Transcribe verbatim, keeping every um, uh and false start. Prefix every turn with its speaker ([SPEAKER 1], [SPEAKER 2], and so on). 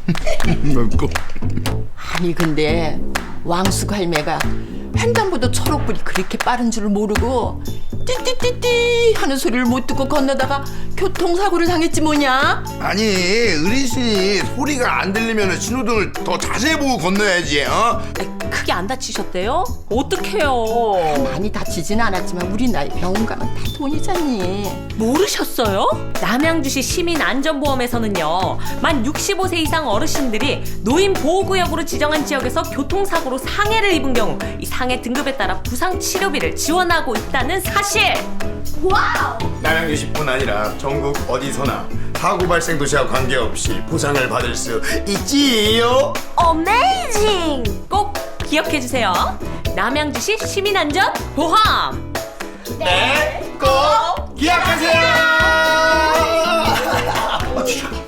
[SPEAKER 1] 먹고.
[SPEAKER 2] 아니 근데 왕숙 할매가 횡단보도 초록불이 그렇게 빠른 줄 모르고 띠띠띠띠 하는 소리를 못 듣고 건너다가 교통사고를 당했지 뭐냐?
[SPEAKER 1] 아니 어르신이 소리가 안 들리면 신호등을 더 자세히 보고 건너야지. 어?
[SPEAKER 3] 크게 안 다치셨대요? 어떡해요?
[SPEAKER 2] 많이 다치진 않았지만 우리 나이 병원 가면 다 돈이잖니.
[SPEAKER 3] 모르셨어요? 남양주시 시민안전보험에서는요 만 육십오 세 이상 어르신들이 노인보호구역으로 지정한 지역에서 교통사고로 상해를 입은 경우 이 상해 등급에 따라 부상치료비를 지원하고 있다는 사실.
[SPEAKER 1] 남양주시뿐 아니라 전국 어디서나 사고 발생 도시와 관계없이 보상을 받을 수 있지요.
[SPEAKER 3] 어메이징! 꼭 기억해주세요. 남양주시 시민안전보험.
[SPEAKER 1] 네, 꼭 기억하세요.